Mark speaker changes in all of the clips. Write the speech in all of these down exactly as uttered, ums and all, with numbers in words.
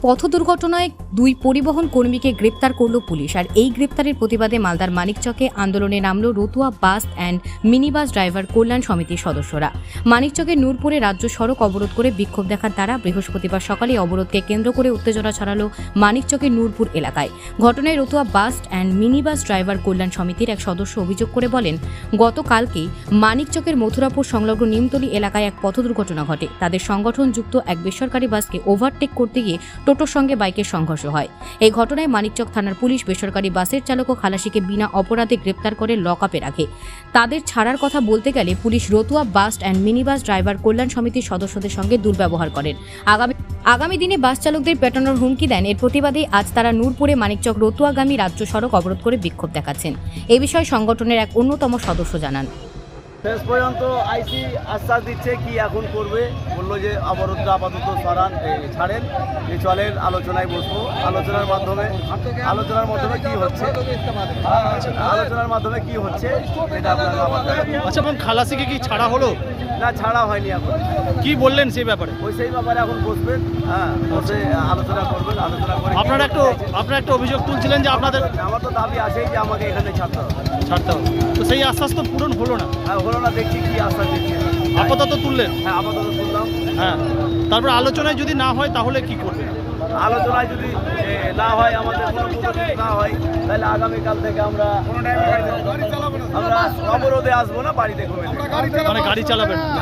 Speaker 1: পথ দুর্ঘটনায় দুই পরিবহন কর্মীকে গ্রেপ্তার করল পুলিশ। আর এই গ্রেপ্তারের প্রতিবাদে মালদার মানিকচকে আন্দোলনে নামল Ratua bus and mini bus driver কল্যাণ সমিতির সদস্যরা। মানিকচকের নূরপুরে রাজ্য সড়ক অবরোধ করে বিক্ষোভ দেখার দ্বারা বৃহস্পতিবার সকালে অবরোধকে কেন্দ্র করে উত্তেজনা ছড়ালো মানিকচকের নূরপুর এলাকায়। ঘটনায় Ratua bus and mini bus driver কল্যাণ সমিতির এক সদস্য অভিযোগ করে বলেন, গতকালকেই মানিকচকের মথুরাপুর সংলগ্ন নিমতলী এলাকায় এক পথ দুর্ঘটনা ঘটে। তাদের সংগঠনযুক্ত এক বেসরকারি বাসকে ওভারটেক করতে গিয়ে টোটোর সঙ্গে বাইকের সংঘর্ষ হয়। এই ঘটনায় মানিকচক থানার পুলিশ বেসরকারি বাসের চালক ও খালাসিকে বিনা অপরাধে গ্রেপ্তার করে লকআপে রাখে। তাদের ছাড়ার কথা বলতে গেলে police Ratua bus and mini bus driver কল্যাণ সমিতির সদস্যদের সঙ্গে দুর্ব্যবহার করেন। আগামী আগামী দিনে বাস চালকদের পেটানোর হুমকি দেন। এর প্রতিবাদে আজ তারা নূরপুরে মানিকচক রতুয়াগামী রাজ্য সড়ক অবরোধ করে বিক্ষোভ দেখাচ্ছেন। এ বিষয়ে সংগঠনের এক অন্যতম সদস্য জানান,
Speaker 2: শেষ পর্যন্ত আইসি আশ্বাস দিচ্ছে কি এখন করবে, বললো যে অবরোধটা আপাতত সরান ছাড়েন, যে চলেন আলোচনায় বসবো। আলোচনার মাধ্যমে আলোচনার মাধ্যমে কি হচ্ছে আলোচনার মাধ্যমে কি হচ্ছে এটা আপনারা আমাদের।
Speaker 3: আচ্ছা, এবং খালাসিকে কি ছাড়া হলো?
Speaker 2: না, ছাড়া হয়নি। এখন
Speaker 3: কি বললেন সেই ব্যাপারে?
Speaker 2: ওই সেই ব্যাপারে এখন বসবেন, হ্যাঁ বসে আলোচনা করবেন। আলোচনা করে
Speaker 3: আপনারা একটু আপনারা একটা অভিযোগ তুলছিলেন যে আপনাদের,
Speaker 2: আমার তো দাবি আছেই যে আমাকে এখানে ছাড়তে হবে
Speaker 3: ছাড়তে হবে, তো সেই আশ্বাস তো পূরণ হলো না।
Speaker 2: হ্যাঁ হলো না, দেখছি কি আশ্বাস দিচ্ছে।
Speaker 3: আপাতত তুললেন?
Speaker 2: হ্যাঁ আপাতত তুললাম।
Speaker 3: হ্যাঁ, তারপর আলোচনায় যদি না হয় তাহলে কি করবে?
Speaker 2: আলোচনায় যদি না হয়, আমাদের কোনো প্রগতি না হয়, তাহলে আগামীকাল থেকে আমরা আমরা অবরোধে আসবো না, বাড়িতে ঘুমে
Speaker 3: মানে গাড়ি চালাবেন না?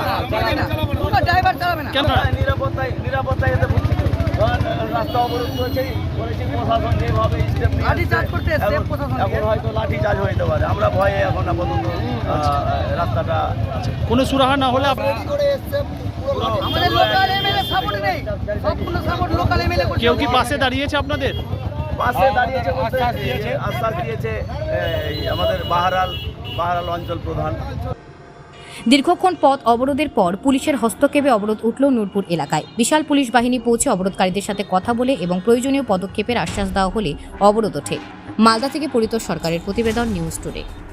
Speaker 3: কেন?
Speaker 2: নিরাপত্তায় নিরাপত্তায় এতে রাস্তা অবরোধ করেছে করেছি প্রশাসন যেভাবে স্টেপ এখন হয়তো লাঠি চার্জ হয়ে যেতে পারে। আমরা ভয়ে এখন আপাতত রাস্তাটা
Speaker 3: কোনো সুরাহা না হলে কেউ কি পাশে দাঁড়িয়েছে আপনাদের?
Speaker 2: পাশে দাঁড়িয়েছে বলতে আশ্বাস দিয়েছে আমাদের বাহারাল বাহারাল অঞ্চল প্রধান।
Speaker 1: দীর্ঘক্ষণ পথ অবরোধের পর পুলিশের হস্তক্ষেপে অবরোধ উঠল নূরপুর এলাকায়। বিশাল পুলিশ বাহিনী পৌঁছে অবরোধকারীদের সাথে কথা বলে এবং প্রয়োজনীয় পদক্ষেপের আশ্বাস দেওয়া হলে অবরোধ ওঠে। মালদা থেকে পরিতোষ সরকারের প্রতিবেদন, নিউজ টুডে।